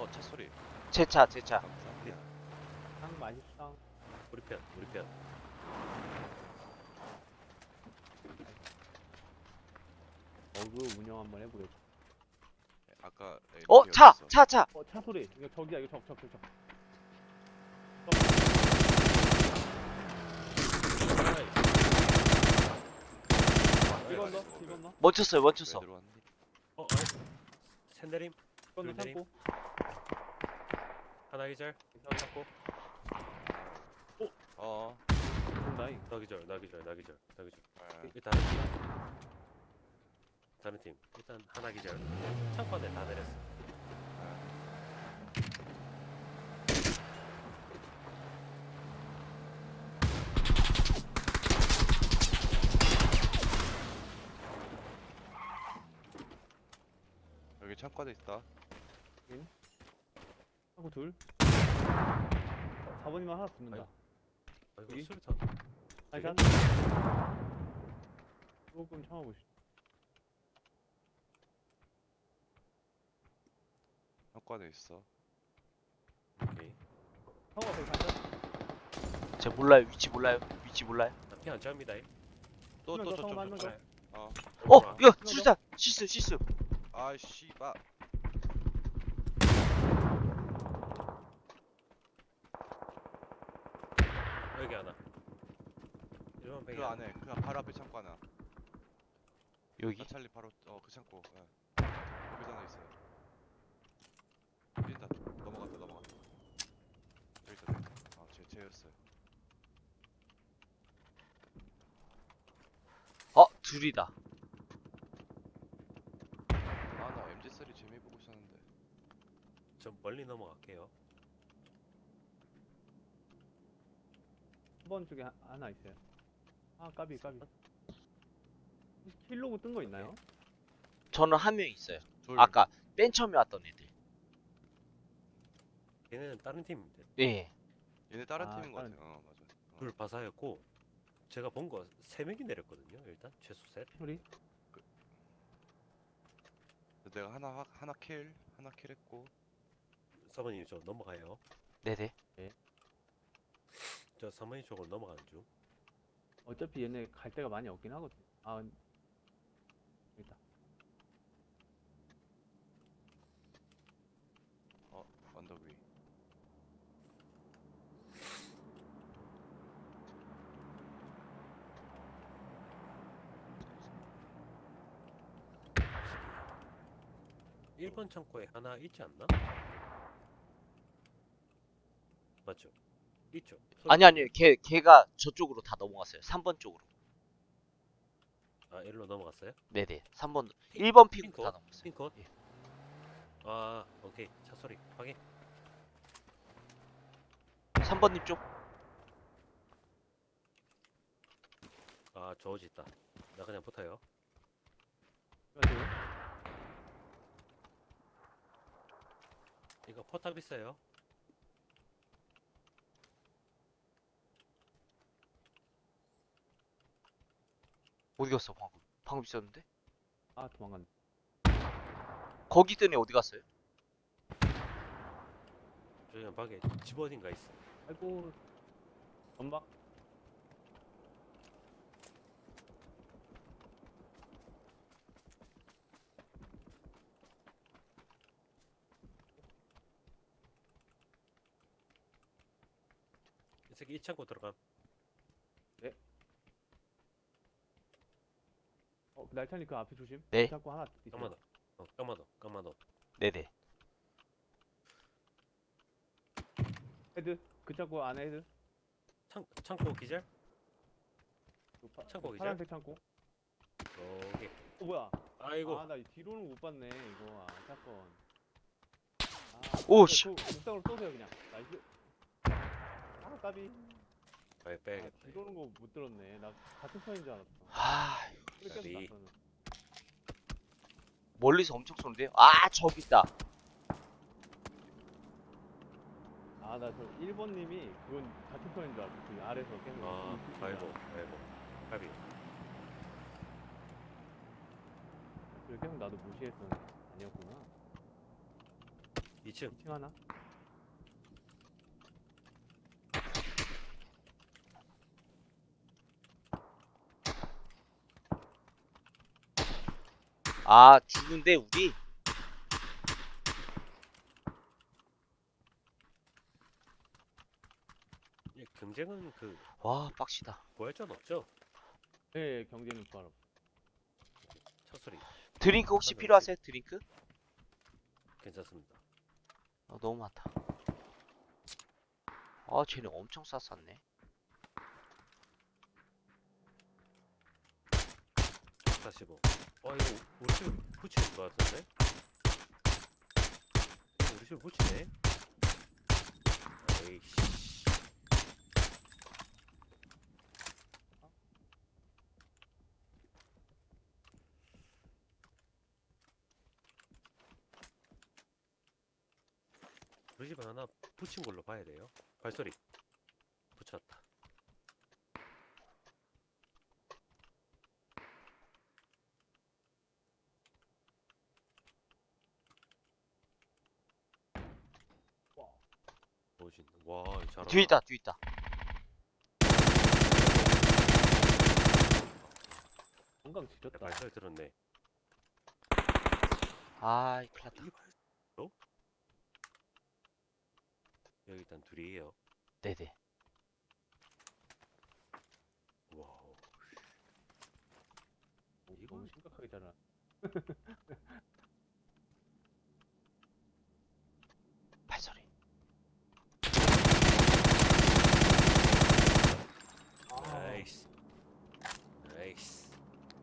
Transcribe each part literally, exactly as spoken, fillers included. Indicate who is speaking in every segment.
Speaker 1: 차 소리.
Speaker 2: 제 차, 제 차.
Speaker 1: 감사합니다.
Speaker 3: 상 맛있어.
Speaker 4: 우리 편, 우리 편.
Speaker 3: 어그 운영 한번 해보겠다.
Speaker 1: 네, 아까 에,
Speaker 2: 어,
Speaker 1: 여기
Speaker 2: 차,
Speaker 1: 있어.
Speaker 2: 차, 차.
Speaker 3: 어, 차 소리. 이거 저기야, 이거 적, 적, 적, 적. 이건 너,
Speaker 1: 왜, 왜,
Speaker 3: 이건 너,
Speaker 2: 멈췄어요,
Speaker 1: 왜
Speaker 2: 멈췄어.
Speaker 1: 들어왔니?
Speaker 4: 어, 아니. 샌드림
Speaker 3: 이건 너
Speaker 4: 둘
Speaker 3: 참고.
Speaker 4: 하나 기절. 하나 잡고.
Speaker 1: 어.
Speaker 3: 본다잉.
Speaker 4: 나 기절, 나 기절, 나 기절, 나 기절.
Speaker 1: 아,
Speaker 4: 이 다른 팀. 다른 팀. 일단 하나 기절. 창고 안에 다 내렸어.
Speaker 1: 여기 창고도 있다.
Speaker 3: 하고 둘. 사 번이면 하나 붙는다.
Speaker 4: 아이고. 아, 이거
Speaker 3: 여기?
Speaker 4: 수류탄.
Speaker 3: 아니, 샷. 조금 참아보시.
Speaker 1: 창고도 있어.
Speaker 4: 오케이.
Speaker 3: 상호 앞에 반샷.
Speaker 2: 제가 몰라요, 위치 몰라요, 위치 몰라요.
Speaker 4: 피안 잡니다.
Speaker 1: 또
Speaker 3: 한
Speaker 1: 또
Speaker 3: 명 더,
Speaker 1: 저
Speaker 3: 상호 한명
Speaker 1: 저
Speaker 3: 더.
Speaker 1: 어.
Speaker 2: 어, 이거
Speaker 3: 더.
Speaker 2: 수류탄, 실수, 실수.
Speaker 1: 아 씨발.
Speaker 4: 여기 하나. 일반 뱅이.
Speaker 1: 그 안에 그 바로 앞에 창고 하나.
Speaker 2: 여기.
Speaker 1: 나찰리 바로 어 그 창고. 예. 여기도 하나 있어요. 뛴다. 넘어갔다 넘어갔다. 여기 있다. 여기 있다. 아제 제였어요.
Speaker 2: 어, 둘이다.
Speaker 1: 아나 엠지 쓰리 재미 보고 있었는데.
Speaker 4: 좀 멀리 넘어갈게요.
Speaker 3: 한 번 쪽에 하, 하나 있어요. 아, 까비, 까비. 킬로그 뜬 거 있나요?
Speaker 2: 저는 한 명 있어요.
Speaker 1: 둘.
Speaker 2: 아까 맨 처음에 왔던 애들.
Speaker 4: 얘네는 다른 팀인데.
Speaker 2: 예.
Speaker 1: 얘네 다른
Speaker 3: 아,
Speaker 1: 팀인 것
Speaker 3: 다른-
Speaker 1: 같아. 어 맞아. 어.
Speaker 4: 둘 바사였고 제가 본 거 세 명이 내렸거든요. 일단 최소 셋.
Speaker 3: 우리?
Speaker 1: 내가 하나 하- 하나 킬 하나 킬했고.
Speaker 4: 서버님 저 넘어가요.
Speaker 2: 네네.
Speaker 4: 저 서머니 쪽으로 넘어가는 중.
Speaker 3: 어차피 얘네 갈 데가 많이 없긴 하거든. 아, 여기 있다.
Speaker 1: 어 언덕 위.
Speaker 4: 일 번 창고에 하나 있지 않나? 맞죠? 있죠.
Speaker 2: 아니, 아니요. 걔, 걔가 저쪽으로 다 넘어갔어요. 삼 번 쪽으로.
Speaker 4: 아, 일로 넘어갔어요?
Speaker 2: 네네. 삼 번, 일 번 피고
Speaker 4: 핑크?
Speaker 2: 다 넘었어요.
Speaker 4: 핑크?
Speaker 2: 예.
Speaker 4: 아, 오케이. 차 소리 확인.
Speaker 2: 삼 번님 쪽.
Speaker 4: 아, 저어지 있다. 나 그냥 붙어요.
Speaker 3: 그래가지고
Speaker 4: 이거 포탑 있어요.
Speaker 2: 어디 갔어, 방금? 방금 있었는데?
Speaker 3: 아, 도망갔네.
Speaker 2: 거기 있던 애 어디 갔어요?
Speaker 4: 저기 밖에 집 어딘가 있어.
Speaker 3: 아이고, 연막.
Speaker 4: 이 새끼 이 창고 들어감.
Speaker 3: 어, 날찬이 그 앞에 조심.
Speaker 2: 네.
Speaker 3: 자꾸 하나 있어요.
Speaker 4: 까마도. 어, 까마도. 까마도.
Speaker 2: 네네.
Speaker 3: 헤드. 그 자꾸 안에 헤드.
Speaker 4: 창 창고 기절?
Speaker 3: 그 파,
Speaker 4: 창고
Speaker 3: 그
Speaker 4: 기절?
Speaker 3: 파란색 창고.
Speaker 4: 여기.
Speaker 3: 어, 뭐야?
Speaker 4: 아이고.
Speaker 3: 아, 나 이 뒤로는 못 봤네, 이거. 아, 사건. 아,
Speaker 2: 오,
Speaker 3: 그래,
Speaker 2: 씨.
Speaker 3: 그 옥상으로 쏘세요, 그냥. 나이스. 아, 까비.
Speaker 4: 아이
Speaker 3: 아,
Speaker 4: 빼야겠다.
Speaker 3: 뒤로는 거 못 들었네. 나 같은 편인 줄 알았어.
Speaker 2: 아,
Speaker 3: 소리 계속
Speaker 4: 까비.
Speaker 3: 났어는.
Speaker 2: 멀리서 엄청 쏘는데요? 아, 저기 있다.
Speaker 3: 아, 나 저 일 번님이 그건 같은 편인 줄 알았어. 그 아래서 계속.
Speaker 4: 아,
Speaker 3: 이-
Speaker 4: 아이고. 아이고. 까비.
Speaker 3: 그래, 계속 나도 무시했었는데. 아니었구나.
Speaker 4: 이 층.
Speaker 3: 이 층 하나?
Speaker 2: 아, 죽은데 우리?
Speaker 4: 예, 경쟁은 그
Speaker 2: 와, 빡시다.
Speaker 4: 부활전 없죠?
Speaker 3: 네, 경제는 부활.
Speaker 4: 첫 소리
Speaker 2: 드링크 혹시
Speaker 4: 하나
Speaker 2: 필요하세요? 드링크?
Speaker 4: 괜찮습니다.
Speaker 2: 어, 너무 많다. 아, 쟤네 엄청 쌌었네.
Speaker 4: 사십오. 어 이거 우리 집 붙이는 것 같은데? 이거 우리 집 붙이네? 에이씨. 우리 집에 하나 붙인 걸로 봐야 돼요. 발소리. 붙였다. 뭐지? 와, 잘한다.
Speaker 2: 뒤에 있다, 뒤에 있다.
Speaker 3: 건강
Speaker 4: 야,
Speaker 3: 지렸다.
Speaker 4: 발소리 들었네.
Speaker 2: 아이, 큰일 났다.
Speaker 4: 이 발소? 여기 일단 둘이에요.
Speaker 2: 네네.
Speaker 4: 와우.
Speaker 3: 오,
Speaker 4: 이거-
Speaker 3: 너무 심각하게 잘하.
Speaker 2: 발소리.
Speaker 4: 나이스. 나이스.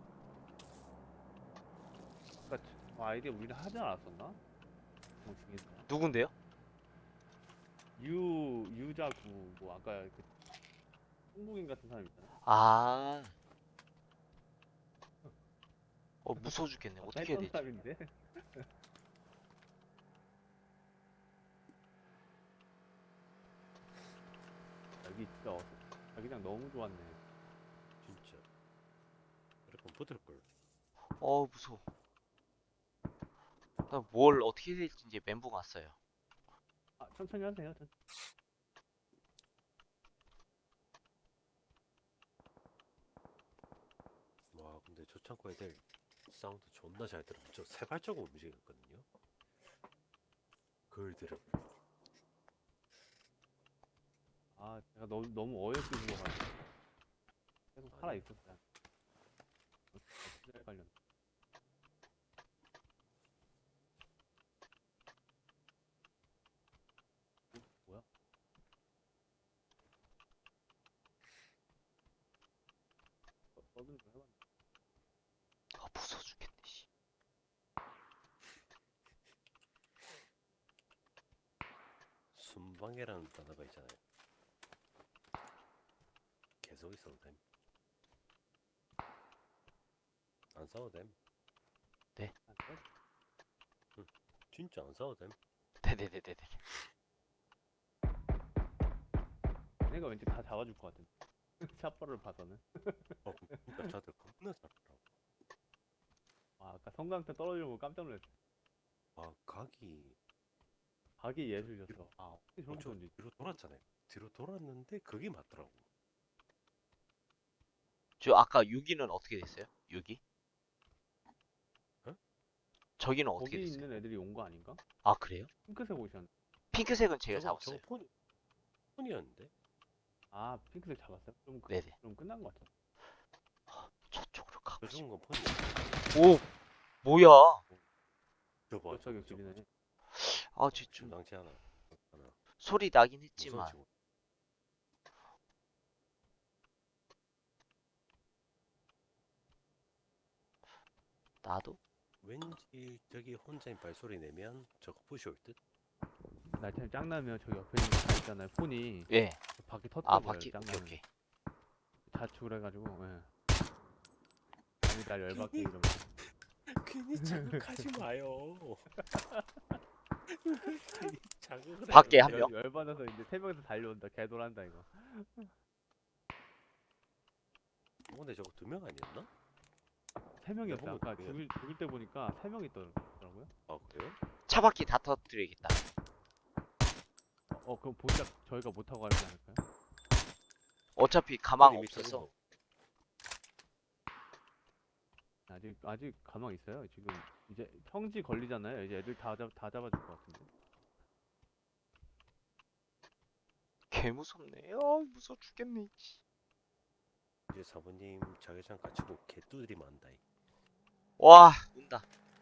Speaker 3: 아까 저 아이디 우리는 하지 않았었나? 뭐 중에서.
Speaker 2: 누군데요?
Speaker 3: 유 유자구 뭐 아까 그 홍보인 같은 사람 있잖아.
Speaker 2: 아. 어, 무서워 죽겠네.
Speaker 3: 아까
Speaker 2: 어떻게 해야
Speaker 3: 했던
Speaker 2: 되지?
Speaker 3: 사람인데. 여기 진짜 어, 자기장 너무 좋았네.
Speaker 4: 진짜. 이렇게 붙을 걸.
Speaker 2: 어, 무서워. 나 뭘 어떻게 해야 될지 이제 멘붕 왔어요.
Speaker 3: 아 천천히 하세요. 천천히.
Speaker 4: 와, 근데 저 창고 애들 사운드 존나 잘 들어. 저 세발자국 움직였거든요. 그걸 들어.
Speaker 3: 아 제가 너무 너무 어이없게 죽어가지고 계속 살아 있었어요. 진짜 헷갈렸네. 어, 뭐야? 어, 서든 좀 해봤네.
Speaker 2: 아, 무서워 죽겠네, 씨.
Speaker 4: 순방해라는 단어가 있잖아요. 계속 있어도 됨. 안 싸워도 됨.
Speaker 3: 아, 그래?
Speaker 4: 진짜 안 싸워도 됨.
Speaker 2: 네네네네네.
Speaker 3: 얘네가 왠지 다 잡아줄 것 같은데. 샷발을 봐서는.
Speaker 4: 어, 그러니까 자들 겁나 잘하더라고.
Speaker 3: 아, 아까 성광탄 떨어지는 거 깜짝 놀랐어.
Speaker 4: 아, 각이
Speaker 3: 각이 예술이었어. 아, 어떻게
Speaker 4: 어,
Speaker 3: 저렇게
Speaker 4: 저
Speaker 3: 던지지?
Speaker 4: 뒤로 돌았잖아요. 뒤로 돌았는데 그게 맞더라고.
Speaker 2: 저 아까 유기는 어떻게 됐어요? 유기?
Speaker 4: 어?
Speaker 2: 저기는 어떻게
Speaker 3: 거기
Speaker 2: 됐어요?
Speaker 3: 있는 애들이 온 거 아닌가?
Speaker 2: 아, 그래요?
Speaker 3: 핑크색 옷이었는데.
Speaker 2: 핑크색은 제가
Speaker 4: 저거
Speaker 2: 잡았어요.
Speaker 4: 저거 폰이 폰이었는데.
Speaker 3: 아, 핑크색 잡았어요? 그럼, 그-
Speaker 2: 네네.
Speaker 3: 그럼 끝난 것 같아.
Speaker 2: 저쪽으로 가고
Speaker 4: 저
Speaker 2: 싶어.
Speaker 4: 죽은 건 폰이야.
Speaker 2: 오! 뭐야?
Speaker 4: 저거 봐,
Speaker 3: 몇 사격
Speaker 4: 저거, 저거.
Speaker 3: 길이네.
Speaker 2: 아, 쟤 좀
Speaker 4: 심상치 않아. 하나.
Speaker 2: 소리 나긴
Speaker 4: 무서운
Speaker 2: 했지만.
Speaker 4: 친구.
Speaker 2: 나도?
Speaker 4: 왠지 저기 혼자인 발소리 내면 저거 부시 올 듯?
Speaker 3: 날짜는 짱나면 저기 옆에 있는 거 다 있잖아요. 폰이.
Speaker 2: 예.
Speaker 3: 바퀴
Speaker 2: 아,
Speaker 3: 터뜨려버려요.
Speaker 2: 바퀴. 오케이,
Speaker 3: 짱나면.
Speaker 2: 오케이.
Speaker 3: 자축을 해가지고, 예. 아니, 날 열받게 이러면서.
Speaker 4: 괜히 자극하지 마요. 괜히 자극을
Speaker 2: 밖에 한
Speaker 4: 하는데.
Speaker 2: 명?
Speaker 3: 열받아서 이제 세 명이서 달려온다. 개돌한다, 이거.
Speaker 4: 어, 근데 저거 두 명 아니었나?
Speaker 3: 세 명이었어요.
Speaker 4: 보면
Speaker 3: 아까
Speaker 4: 그게-
Speaker 3: 죽일, 죽일 때 보니까 세 명이 있더라고요. 있다고요?
Speaker 4: 아 그래요?
Speaker 2: 차 바퀴 다 터뜨려야겠다.
Speaker 3: 어, 어 그럼 보자 저희가 못 타고 가지 않을까요?
Speaker 2: 어차피 가망
Speaker 4: 이미
Speaker 2: 없어서.
Speaker 4: 터진다.
Speaker 3: 아직 아직 가망 있어요. 지금 이제 평지 걸리잖아요. 이제 애들 다 잡, 다 잡아줄 것 같은데.
Speaker 2: 개 무섭네. 아 무서워 죽겠네. 씨.
Speaker 4: 이제 사부님 자기장 갖추고 개뚜들이 많다. 이.
Speaker 2: 와 운다.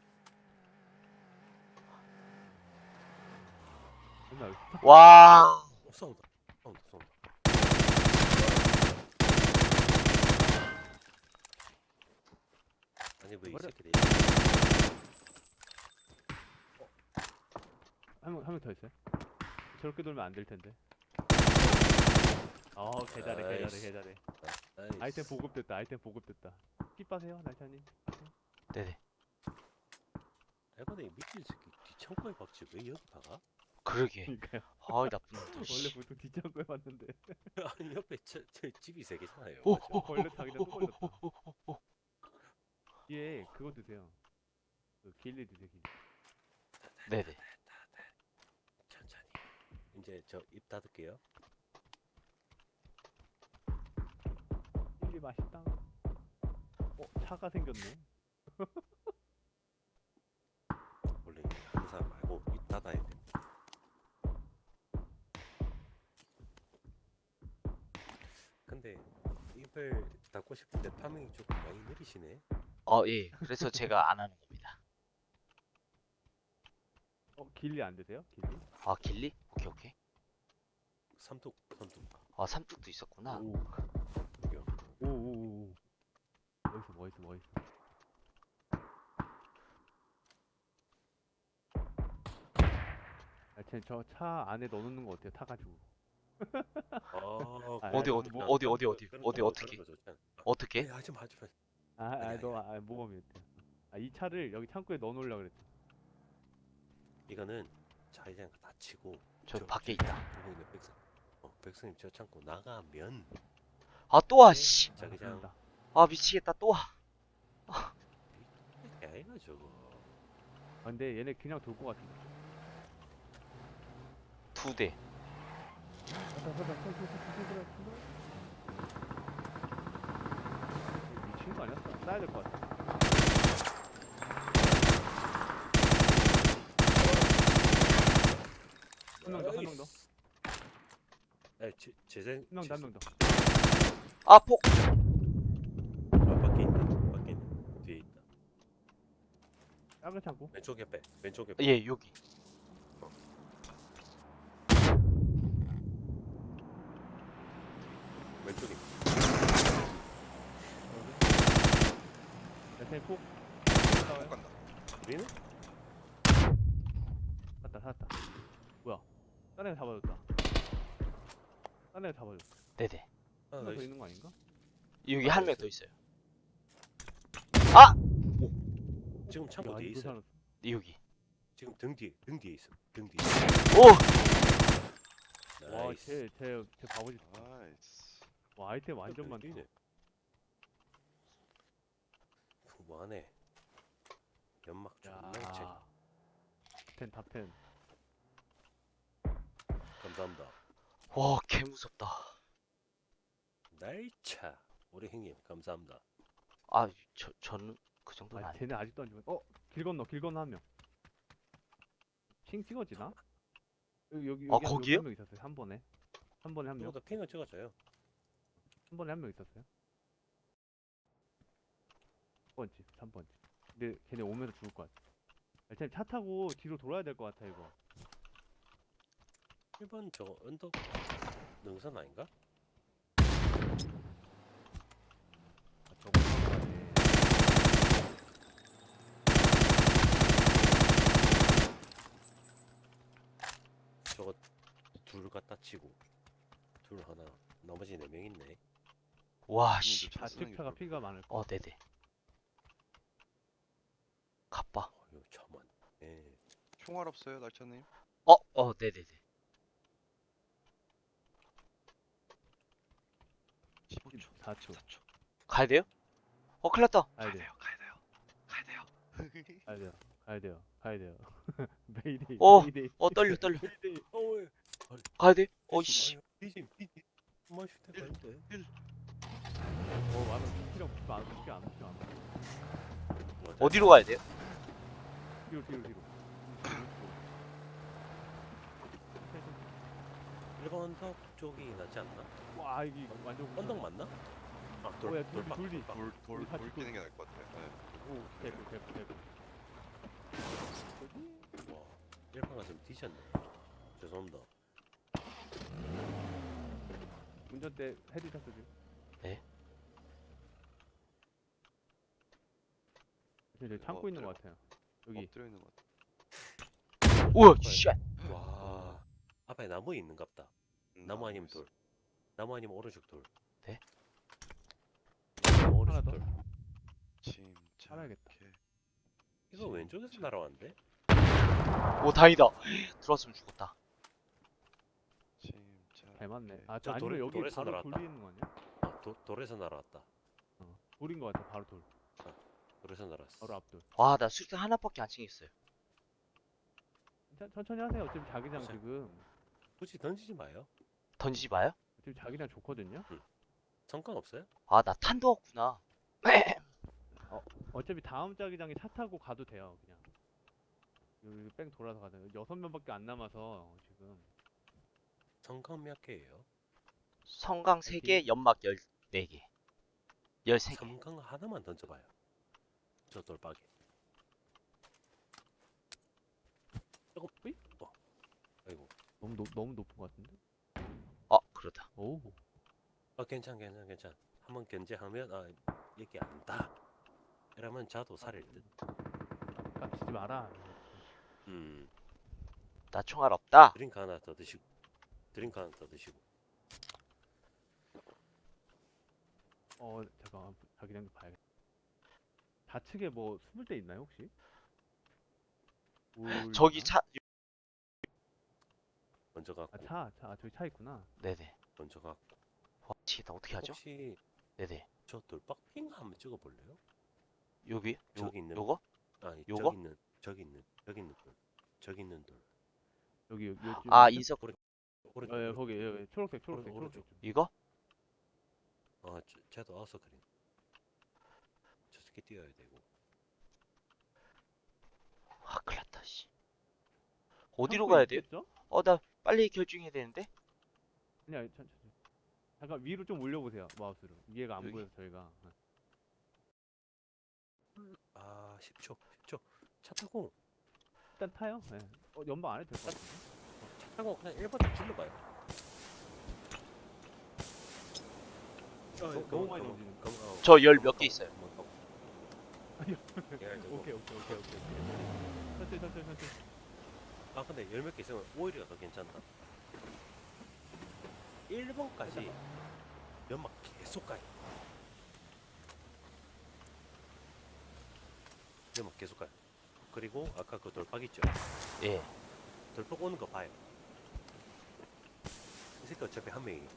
Speaker 3: 맨날
Speaker 2: 와.
Speaker 4: 어, 싸운다. 싸운다. 싸운다. 아니 왜 이
Speaker 3: 뭐래?
Speaker 4: 새끼들이
Speaker 3: 한명 한 명 더 있어요. 저렇게 돌면 안 될 텐데. 어 개잘해 개잘해
Speaker 4: 아이씨.
Speaker 3: 개잘해.
Speaker 4: 나이스.
Speaker 3: 아이템 보급됐다. 아이템 보급됐다. 킵 빠세요 날차님. 빠세요.
Speaker 2: 네네.
Speaker 4: 내가 내 미친 새끼 뒤창고에 박지 왜 여기 박아?
Speaker 2: 그러게.
Speaker 3: 그러니까요.
Speaker 2: 아이 나쁜 놈들.
Speaker 3: 원래
Speaker 2: 씨.
Speaker 3: 보통 뒷장구에 봤는데.
Speaker 4: 아니 옆에 저, 저 집이 세 개잖아요.
Speaker 2: 오,
Speaker 4: 맞죠?
Speaker 2: 오,
Speaker 3: 걸렸다 그냥 또 걸렸다.
Speaker 2: 오, 오, 오, 오.
Speaker 3: 뒤에 그거 드세요. 그 길리 드세요 길리.
Speaker 2: 네네.
Speaker 4: 천천히. 이제 저 입 닫을게요.
Speaker 3: 길리 맛있다. 어 차가 생겼네.
Speaker 4: 원래 하는 사람 말고 입 닫아야 돼. 근데 입을 닫고 싶은데 파밍이 조금 많이 느리시네.
Speaker 2: 어 예. 그래서 제가 안 하는 겁니다.
Speaker 3: 어 길리 안 드세요? 길리?
Speaker 2: 아 길리? 오케이 오케이.
Speaker 4: 삼뚝 삼뚝.
Speaker 2: 아 삼뚝도 있었구나.
Speaker 3: 오.
Speaker 4: 여기요.
Speaker 3: 오오오. 뭐 있어 뭐 있어 뭐 있어. 아, 저차 안에 넣어놓는 거 어때요? 타가지고.
Speaker 4: 아,
Speaker 3: 아,
Speaker 2: 어디
Speaker 3: 아,
Speaker 2: 어디
Speaker 3: 뭐-
Speaker 2: 어디 어디 어디
Speaker 4: 그런
Speaker 2: 어디
Speaker 4: 거,
Speaker 2: 어떻게
Speaker 4: 그런 거 좋잖아.
Speaker 2: 어떻게?
Speaker 4: 에이, 하지 마 하지 마.
Speaker 3: 아,
Speaker 4: 아니,
Speaker 3: 아,
Speaker 4: 아니,
Speaker 3: 너, 아, 모범이 었대 아, 이 차를 여기 창고에 넣어놓으려고 그랬대.
Speaker 4: 이거는 자기장 다 치고
Speaker 2: 저
Speaker 4: 저-
Speaker 2: 밖에
Speaker 4: 저-
Speaker 2: 있다.
Speaker 4: 보고 있는 백성. 어, 백성님 저 창고 나가면
Speaker 2: 아 또 와 씨.
Speaker 3: 아,
Speaker 4: 자기장
Speaker 3: 그런다.
Speaker 2: 아 미치겠다 또 와.
Speaker 4: 이게 아이가 저거.
Speaker 3: 아, 근데 얘네 그냥 돌 것 같은데.
Speaker 2: 두 대.
Speaker 3: 가자, 가자, 가자, 가자, 가자, 가자. 미친 거 아니야? 쏴- 쏴야 될 것 같아. 한 명 더, 한 명 더.
Speaker 4: 에, 제, 재생.
Speaker 3: 한 명 더, 한 명 더.
Speaker 2: 아 폭.
Speaker 4: 아, 밖에 있네. 밖에 있네. 뒤에 있다.
Speaker 3: 작은 창고.
Speaker 4: 왼쪽에 빼. 왼쪽에 빼.
Speaker 2: 예 여기.
Speaker 4: 왼쪽에.
Speaker 3: 내 폭.
Speaker 1: 못 간다.
Speaker 4: 우리는?
Speaker 3: 샀다, 샀다. 뭐야? 딴 애가 잡아줬다. 딴 애가 잡아줬다.
Speaker 2: 네네.
Speaker 4: 아,
Speaker 3: 한 명 더
Speaker 4: 나이스.
Speaker 3: 있는 거 아닌가?
Speaker 2: 여기
Speaker 4: 아,
Speaker 2: 한 명
Speaker 4: 있어요.
Speaker 2: 더 있어요. 아
Speaker 4: 지금 창고
Speaker 3: 야,
Speaker 4: 뒤에
Speaker 3: 이거
Speaker 4: 있어.
Speaker 3: 살았어.
Speaker 2: 여기.
Speaker 4: 지금 등 뒤에. 등 뒤에 있어. 등 뒤에.
Speaker 2: 오.
Speaker 3: 와,
Speaker 4: 나이스.
Speaker 3: 쟤, 쟤, 쟤 바보지.
Speaker 1: 아이스.
Speaker 3: 와, 아이템 완전 많다.
Speaker 4: 뛰네. 뭐하네. 연막 존나 책.
Speaker 3: 야, 탑텐, 탑텐.
Speaker 4: 감사합니다.
Speaker 2: 와 개 무섭다.
Speaker 4: 날차. 우리 형님 감사합니다.
Speaker 2: 아 저 저는 그 정도는
Speaker 3: 아,
Speaker 2: 아니.
Speaker 3: 쟤네 아직도 안 죽었. 어, 길 건너, 길 건너 한 명. 칭 찍어지나? 여기 여기
Speaker 2: 아,
Speaker 3: 여기 한- 여기
Speaker 2: 거기요?
Speaker 3: 한 명 있었어요. 한 번에. 한 번에 한 명.
Speaker 4: 누구도 핑을 찍어줘요.
Speaker 3: 한 번에 한 명 있었어요. 삼 번지, 삼 번지. 근데 걔네 오면서 죽을 것 같아. 일단 차 타고 뒤로 돌아야 될 것 같아 이거.
Speaker 4: 일 번 저 언덕 능선 아닌가?
Speaker 3: 아, 저거 타고
Speaker 4: 저거 둘 갖다 치고 둘 하나 나머지 네 명 있네.
Speaker 2: 와 씨.
Speaker 1: 차 쓰는 게
Speaker 3: 좌측차가
Speaker 1: 좋을
Speaker 3: 피가
Speaker 1: 거야.
Speaker 3: 많을 거.
Speaker 2: 어 네네. 갑바.
Speaker 4: 어휴 참만. 예.
Speaker 1: 총알 없어요, 날차님?
Speaker 2: 어 어 네네네.
Speaker 1: 십오 초.
Speaker 3: 사 초.
Speaker 1: 사 초.
Speaker 2: 가야 돼요? 어 큰일 났다.
Speaker 3: 가야 돼.
Speaker 1: 가야 돼요. 가야 돼요.
Speaker 3: 가야 돼요. 가야 돼요. 가야 돼요. 메이데이.
Speaker 2: 어,
Speaker 3: 메이데이.
Speaker 2: 어 떨려 떨려.
Speaker 4: 메이데이. 어 왜?
Speaker 2: 가야 돼? 어이씨.
Speaker 4: 비짐 비짐. 마실 때 가는데.
Speaker 3: 어 맞아. 피랑 붙이면 안 붙이면 안 붙이면 안 붙여.
Speaker 2: 어디로 가야 돼요?
Speaker 3: 뒤로 뒤로 뒤로.
Speaker 4: 일 번 언덕 쪽이 낫지 않나?
Speaker 3: 와 이게 완전
Speaker 4: 언덕 맞나? 아 돌,
Speaker 3: 어, 야, 돌,
Speaker 4: 돌박
Speaker 3: 돌리.
Speaker 4: 돌박.
Speaker 1: 돌돌
Speaker 3: 우리 다
Speaker 1: 돌
Speaker 3: 찍고
Speaker 1: 끼는 게 나을 것 같아요. 네.
Speaker 3: 오 대구 대구 대구.
Speaker 4: 와 일반가 좀 뒤졌네. 죄송합니다.
Speaker 3: 운전대 헤드샷 쏘지.
Speaker 2: 네.
Speaker 3: 지금 저기 창고 있는 것 같아요. 여기.
Speaker 1: 엎드려 있는 것 같아.
Speaker 2: 우와 쉣.
Speaker 4: 와 앞에 나무 있는갑다.
Speaker 1: 음,
Speaker 4: 나무
Speaker 1: 나무
Speaker 4: 아니면
Speaker 1: 있어.
Speaker 4: 돌. 나무 아니면 오른쪽 돌.
Speaker 2: 네?
Speaker 4: 나무
Speaker 3: 하나
Speaker 4: 오른쪽
Speaker 3: 더?
Speaker 4: 돌.
Speaker 1: 침착해.
Speaker 3: 살아야겠다.
Speaker 4: 이거 왼쪽에서 날아왔는데?
Speaker 2: 오 다행이다. 들어왔으면 죽었다.
Speaker 1: 침착해.
Speaker 3: 잘 맞네. 아,
Speaker 4: 저
Speaker 3: 저
Speaker 4: 돌-
Speaker 3: 아니면 여기
Speaker 4: 돌에서
Speaker 3: 바로
Speaker 4: 날아왔다.
Speaker 3: 돌리는 거 아니야?
Speaker 4: 아, 도, 돌에서 날아왔다.
Speaker 3: 어. 돌인 거 같아. 바로 돌.
Speaker 4: 돌에서 날아왔어.
Speaker 3: 바로 앞돌.
Speaker 2: 와 나 수류탄 하나밖에 안 챙겼어요.
Speaker 3: 천- 천천히 하세요. 어차피 자기장
Speaker 4: 보세요.
Speaker 3: 지금
Speaker 4: 굳이 던지지 마요.
Speaker 2: 던지지 마요?
Speaker 3: 어차피 자기장 좋거든요.
Speaker 4: 상관없어요?
Speaker 2: 아 나 탄도 없구나.
Speaker 3: 어차피 다음 자기장에 차 타고 가도 돼요. 그냥 여기 뺑 돌아서 가자. 여섯 명밖에 안 남아서 지금.
Speaker 4: 성강 몇 개예요?
Speaker 2: 성강 세 개, 연막 열네 개. 열세 개.
Speaker 4: 성강 하나만 던져봐요. 저 돌박이. 조금 으이? 어. 아이고.
Speaker 3: 너무 높 너무 높은 것 같은데?
Speaker 2: 어 그러다.
Speaker 3: 오.
Speaker 4: 아 괜찮 괜찮 괜찮. 한번 견제하면 아 얘기 안다. 이러면 자도 살일 듯.
Speaker 3: 깝치지 마라.
Speaker 4: 음.
Speaker 2: 나 총알 없다.
Speaker 4: 드링크 하나 더 드시고. 드링크 하나 더 드시고.
Speaker 3: 어 잠깐 자기장 좀 봐야겠다. 좌측에 뭐 숨을 데 있나요 혹시? 울
Speaker 2: 저기
Speaker 3: 있나?
Speaker 2: 차.
Speaker 4: 먼저 갖고.
Speaker 3: 아, 차, 차, 아, 저기 차 있구나.
Speaker 2: 네네.
Speaker 4: 먼저 갖고.
Speaker 2: 와 미치겠다. 어떻게 하죠?
Speaker 4: 혹시
Speaker 2: 네네.
Speaker 4: 저 돌박 핑 한번 찍어볼래요?
Speaker 2: 여기? 요,
Speaker 4: 저기 있는-
Speaker 2: 요거?
Speaker 4: 아니
Speaker 2: 요거?
Speaker 4: 저기 있는 저기 있는 저기 있는 돌. 저기 있는 돌.
Speaker 3: 여기, 여기, 요쪽.
Speaker 2: 아
Speaker 3: 요쪽?
Speaker 2: 인석.
Speaker 4: 오른쪽. 오른쪽.
Speaker 3: 어, 예,
Speaker 4: 오른쪽.
Speaker 3: 거기, 여기, 초록색, 초록색,
Speaker 4: 오른-
Speaker 3: 초록색. 좀.
Speaker 2: 이거?
Speaker 4: 아, 저, 쟤도 아웃서 그린. 저 새끼 뛰어야 되고.
Speaker 2: 아 큰일났다 씨. 어디로
Speaker 3: 창고에
Speaker 2: 가야 돼요?
Speaker 3: 있겠죠?
Speaker 2: 어 나 빨리 결정해야 되는데.
Speaker 3: 아니야, 천, 천, 천. 잠깐 위로 좀 올려보세요, 마우스로. 위에가 안
Speaker 2: 여기?
Speaker 3: 보여서 저희가. 네.
Speaker 4: 아, 십 초. 십 초. 차 타고
Speaker 3: 일단 타요. 네. 어, 연방 안 해도 될 것 같은데.
Speaker 4: 차 타고 그냥 일 번 딱 질러 봐요.
Speaker 3: 어, 너무 많이 던지는
Speaker 2: 저 열 몇 개 있어요.
Speaker 3: 아니요.
Speaker 4: 열 되고.
Speaker 3: 오케이, 오케이, 오케이, 오케이. 천천히, 천천히, 천천히.
Speaker 4: 아, 근데 열 몇 개 있으면 오히려 더 괜찮다. 일 번까지 연막 계속 가요. 연막 계속 가요. 그리고 아까 그 돌박 있죠?
Speaker 2: 예.
Speaker 4: 돌박 오는 거 봐요. 이 새끼 어차피 한 명이.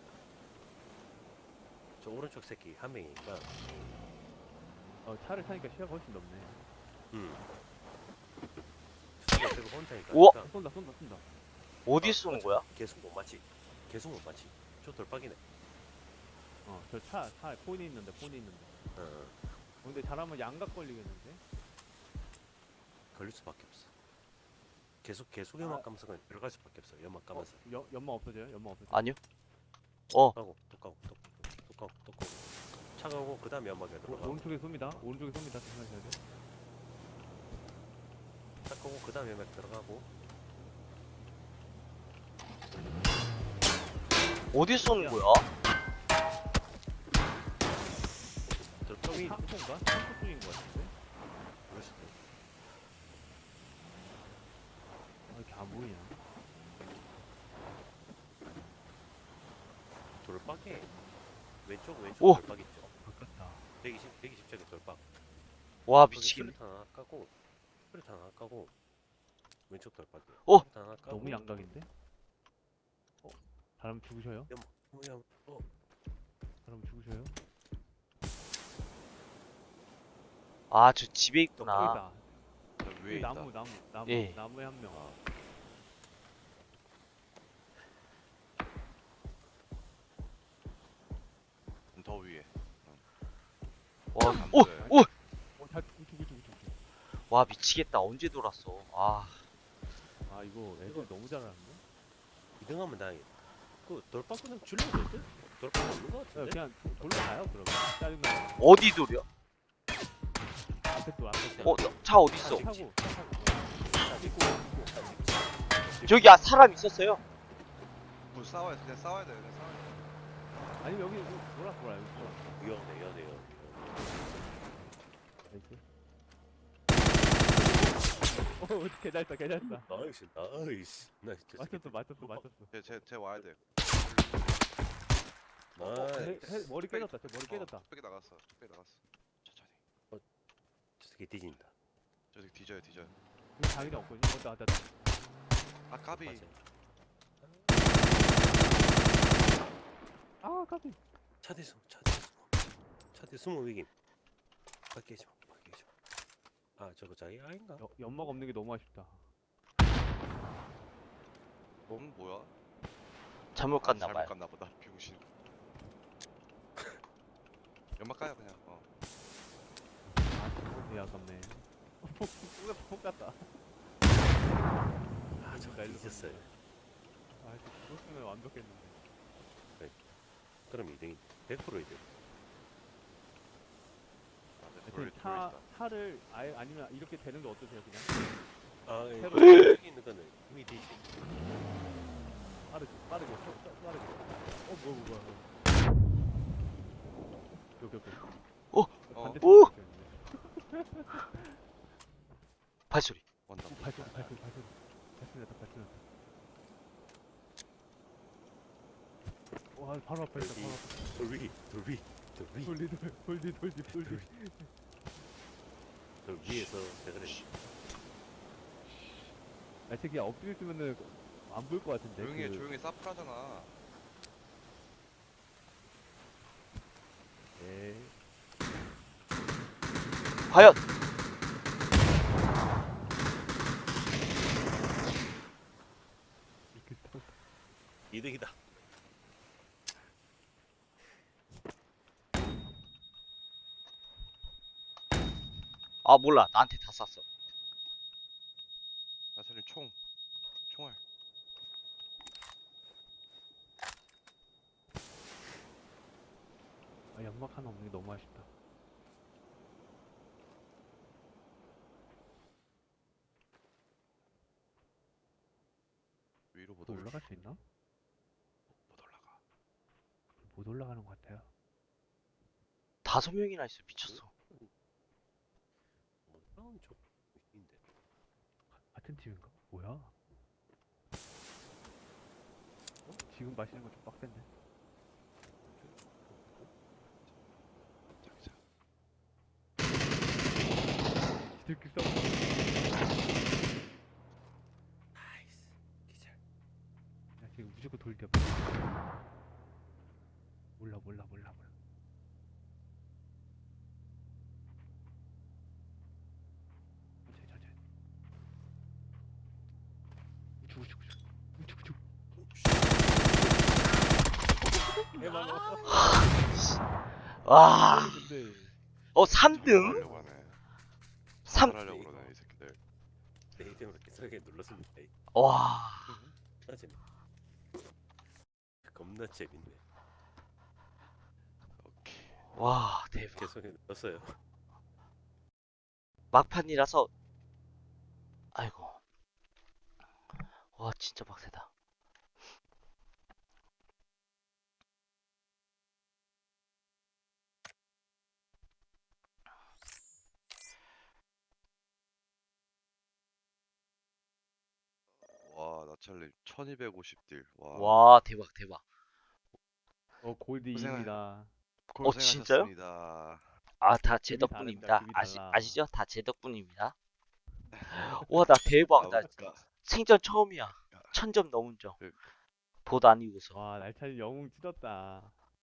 Speaker 4: 저 오른쪽 새끼 한 명이니까.
Speaker 3: 어, 차를 타니까 시야가 훨씬 넓네.
Speaker 4: 음. 수가 어차피 혼자니까.
Speaker 2: 우와!
Speaker 4: 그러니까
Speaker 3: 쏜다, 쏜다, 쏜다.
Speaker 2: 어디
Speaker 4: 아,
Speaker 2: 쏘는
Speaker 4: 맞아.
Speaker 2: 거야?
Speaker 4: 계속 못 맞지. 계속 못 맞지. 저 돌박이네.
Speaker 3: 어, 저 차, 차, 폰이 있는데, 폰이 있는데.
Speaker 4: 어,
Speaker 3: 어, 근데 잘하면 양각 걸리겠는데?
Speaker 4: 걸릴 수밖에 없어. 계속 계속 연막
Speaker 3: 아.
Speaker 4: 까면서 그냥 들어갈 수밖에 없어. 연막
Speaker 3: 어,
Speaker 4: 까면서.
Speaker 3: 연, 연막 없어져요? 연막 없어져요?
Speaker 2: 아니요. 어.
Speaker 4: 까고 또 까고 또 까고 또 까고 또 까고. 차가고 그 다음에 연막에
Speaker 3: 오,
Speaker 4: 들어가.
Speaker 3: 오른쪽에 쏩니다. 오른쪽에 쏩니다. 조심하셔야 돼.
Speaker 4: 차 까고 그 다음에 연막 들어가고.
Speaker 2: 어디 쏘는 거야?
Speaker 4: 돌박이
Speaker 3: 창고인가? 창고 쪽인 것 같은데?
Speaker 4: 그럴 수도 있어.
Speaker 3: 아, 이렇게 안 보이냐?
Speaker 4: 돌박에 왼쪽 왼쪽
Speaker 2: 오!
Speaker 4: 돌박 있죠.
Speaker 3: 바꿨다.
Speaker 4: 백이십 백이십 쪽에 돌박.
Speaker 2: 와
Speaker 4: 거기
Speaker 2: 미치겠네.
Speaker 4: 수류탄 하나 까고 수류탄 하나 까고 왼쪽 돌박이.
Speaker 2: 오!
Speaker 4: 수류탄 하나 까고.
Speaker 3: 너무 양각인데? 어? 사람 죽으셔요?
Speaker 4: 뭐야? 어.
Speaker 3: 사람 죽으셔요?
Speaker 2: 아 저 집에 있구나.
Speaker 3: 여기다.
Speaker 1: 나 위에
Speaker 3: 이
Speaker 1: 있다.
Speaker 3: 나무 나무 나무
Speaker 2: 예.
Speaker 3: 나무에 한 명.
Speaker 1: 아, 음, 더 위에.
Speaker 2: 와,
Speaker 1: 안
Speaker 2: 오!
Speaker 1: 보여요.
Speaker 2: 오!
Speaker 3: 어, 다 우측 우측 우측. 우측.
Speaker 2: 와, 미치겠다. 언제 돌았어? 아,
Speaker 3: 아 이거 애들 너무 잘하는데?
Speaker 4: 이 등 하면 다행이다. 그 돌파 그냥 줄여도 될 듯? 돌파 없는 거
Speaker 3: 야,
Speaker 4: 같은데?
Speaker 3: 그냥 도- 돌로 가요 그러면. 짜증나.
Speaker 2: 어디 돌이야?
Speaker 3: 앞에 또 앞에 또.
Speaker 2: 어, 차 어딨어?
Speaker 3: 차 타고 차 타고. 차 있고 있고.
Speaker 2: 저기 아, 사람 있었어요.
Speaker 1: 뭐 싸워야 돼. 그냥 싸워야 돼. 그냥 싸워야 돼.
Speaker 3: 아니면 여기 여기 돌아 돌아 여기 돌아.
Speaker 4: 위험해 위험해 위험해.
Speaker 3: 나이스. 어 어떻게 잘했다 괜찮다.
Speaker 4: 나이스 나이스 나이스.
Speaker 3: 맞췄어 맞췄어 맞췄어.
Speaker 1: 쟤, 쟤, 쟤 와야 돼.
Speaker 4: 나이스.
Speaker 3: 해, 해, 머리 깨졌다. 저 머리 깨졌다.
Speaker 1: 뚝배기 나갔어. 뚝배기 나갔어. 천천히.
Speaker 4: 저 새끼 뒤진다.
Speaker 1: 저 새끼 뒤져요, 뒤져요.
Speaker 3: 여기 장인이 없거든요. 어, 나, 나,
Speaker 1: 아, 까비.
Speaker 4: 맞아.
Speaker 3: 아 까비.
Speaker 4: 차 뒤 숨어 차 뒤 숨어. 차 뒤 숨어 위김. 밖에 있지 마 밖에 있지 마. 아 저거 자기 아인가?
Speaker 3: 여, 연막 없는 게 너무 아쉽다.
Speaker 1: 응, 뭐야?
Speaker 2: 잘못
Speaker 1: 아,
Speaker 2: 갔나봐요.
Speaker 1: 잘못 갔나 보다. 병신. 연막 까요 그냥. 어.
Speaker 3: 아 저거 되게 아깝네. 폭, 폭, 폭 같다.
Speaker 4: 아 저거
Speaker 3: 날로
Speaker 4: 뒤졌어요.
Speaker 3: 아 이거 죽었으면 완벽했는데.
Speaker 4: 그럼 이 등이 백 퍼센트 이등.
Speaker 1: 아, 네,
Speaker 3: 하여튼
Speaker 1: 돌,
Speaker 3: 차,
Speaker 1: 돌 있다.
Speaker 3: 차를 아예 아니면 이렇게 되는 게 어떠세요 그냥?
Speaker 4: 아
Speaker 3: 해봐.
Speaker 4: 여기 있는 거는 이미 뒤지.
Speaker 3: 빠르게 빠르게 빠- 빠- 빠르게. 어 뭐야 뭐야 뭐야. 여기 여기.
Speaker 2: 어,
Speaker 1: 어.
Speaker 3: 반대
Speaker 2: 오!
Speaker 3: 쪽에 있네.
Speaker 2: 발소리.
Speaker 1: 원다.
Speaker 3: 오, 발소리 발소리 발소리. 발소리 났다 발소리 났다. 와 바로 앞에 있다 바로 앞에.
Speaker 4: 돌 위, 돌 위, 돌 위,
Speaker 3: 돌리 돌 돌리 돌리 돌리.
Speaker 4: 돌 위에서 내가 그래.
Speaker 3: 아 저기 엎드려 있으면은 안 보일 것 같은데.
Speaker 1: 조용히 해,
Speaker 3: 그-
Speaker 1: 조용히 해. 사프라잖아.
Speaker 3: 에이.
Speaker 2: 과연
Speaker 3: 이렇게 딱-
Speaker 4: 이득이다.
Speaker 2: 아, 몰라. 나한테 다 쐈어.
Speaker 1: 나사님 총. 총알.
Speaker 3: 아 연막 하나 없는 게 너무 아쉽다.
Speaker 1: 위로 못
Speaker 3: 또
Speaker 1: 올라.
Speaker 3: 올라갈 수 있나?
Speaker 1: 못 올라가.
Speaker 3: 못 올라가는 것 같아요.
Speaker 2: 다섯 명이나 있어. 미쳤어.
Speaker 4: 뭐 다운 쪽 인데.
Speaker 3: 같은 팀인가? 뭐야? 어? 지금 마시는 거 좀 빡센데?
Speaker 1: 자기자.
Speaker 3: 지들끼리 싸워.
Speaker 4: 나이스. 기절.
Speaker 3: 야 지금 무조건 돌 뒤에. 몰라 몰라 몰라 몰라. 천천히 천천히. 우측 우측 우측. 우측 우측. 해봐봐.
Speaker 2: 와,
Speaker 3: 근데
Speaker 2: 어, 삼 등?
Speaker 1: 하려고 하네.
Speaker 2: 삼,
Speaker 1: 하려고 그러네 이 새끼들.
Speaker 4: 내 이름으로 계속하게 눌렀습니다.
Speaker 2: 와,
Speaker 4: 나 재밌. 겁나 재밌네.
Speaker 1: 오케이.
Speaker 2: 와, 대박.
Speaker 4: 계속해 눌렀어요.
Speaker 2: 막판이라서, 아이고. 와, 진짜 빡세다.
Speaker 1: 와, 나찰님 천이백오십 딜. 와.
Speaker 2: 와, 대박, 대박.
Speaker 3: 어 골드
Speaker 1: 고생하-
Speaker 3: 이입니다.
Speaker 2: 어, 진짜요?
Speaker 1: 고생하셨습니다.
Speaker 2: 아, 다 제
Speaker 3: 기분이
Speaker 2: 덕분입니다.
Speaker 3: 다릅니다. 기분이
Speaker 2: 아시,
Speaker 3: 달라.
Speaker 2: 아시죠? 다 제 덕분입니다. 와, 나 대박. 나
Speaker 1: 아까
Speaker 2: 생전 처음이야. 천 점 넘은 점.
Speaker 1: 그-
Speaker 2: 보도 안 이고서.
Speaker 3: 와 날찬이 영웅 찢었다.